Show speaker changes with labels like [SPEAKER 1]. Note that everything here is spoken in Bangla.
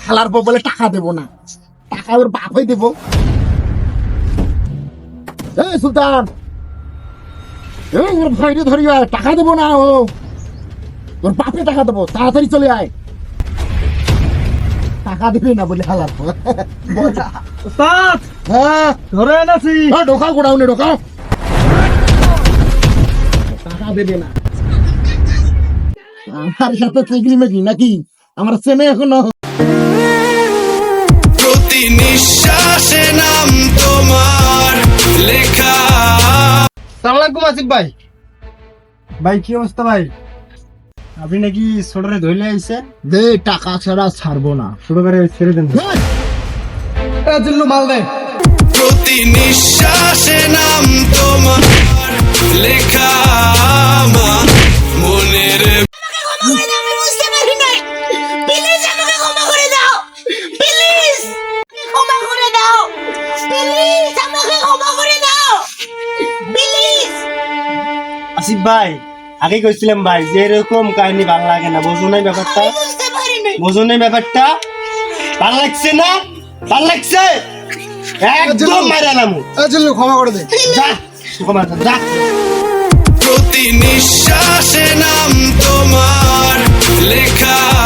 [SPEAKER 1] হালার বউ বলে টাকা দেবো না, টাকা ওর বাপই দেবো। এই সুলতান, এই ওর ভাইরে ধরি আয়, টাকা দেবো না, ও তোর বাপে টাকা দেবো, তাড়াতাড়ি চলে আয়। টাকা দিবি না বলে হালার বউ।
[SPEAKER 2] উস্তাদ
[SPEAKER 1] হ্যাঁ
[SPEAKER 2] ধরে এনেছি।
[SPEAKER 1] ঢোকাও গোডাউনে ঢোকাও, টাকা দেবে না। আমার সাথে চিংড়ি মেঘি নাকি আমার চেনে এখনো।
[SPEAKER 3] প্রতি নিঃশ্বাসে নাম তোমার লেখা।
[SPEAKER 2] সালাম আলাইকুম আসিফ ভাই। ভাই কি অবস্থা ভাই? আপনি নাকি ছোটরে ধরলে আইছে?
[SPEAKER 1] দে টাকা ছাড়া ছাড়বো না।
[SPEAKER 2] ছোট করে ছেড়ে দেন। জন্য মাল দেয়।
[SPEAKER 3] প্রতি নিঃশ্বাসে নাম তোমার লেখা আমার মনের।
[SPEAKER 4] আমি বুঝতে পারি নাই, প্লিজ আমাকে ক্ষমা করে দাও, প্লিজ ক্ষমা করে দাও, প্লিজ আমাকে ক্ষমা করে দাও, প্লিজ।
[SPEAKER 2] আসিফ ভাই আগে কইছিলাম ভাই যে এরকম কাহিনী ভালো লাগে না, বোঝো নাই ব্যাপারটা?
[SPEAKER 4] আমি বুঝতে পারি নাই।
[SPEAKER 2] বোঝো নাই ব্যাপারটা? ভালো লাগছে না? ভালো লাগছে? একদম মারালাম।
[SPEAKER 1] ক্ষমা করে দে।
[SPEAKER 2] যা ক্ষমা কর, যা।
[SPEAKER 3] প্রতি নিঃশ্বাসে নাম তোমার লেখা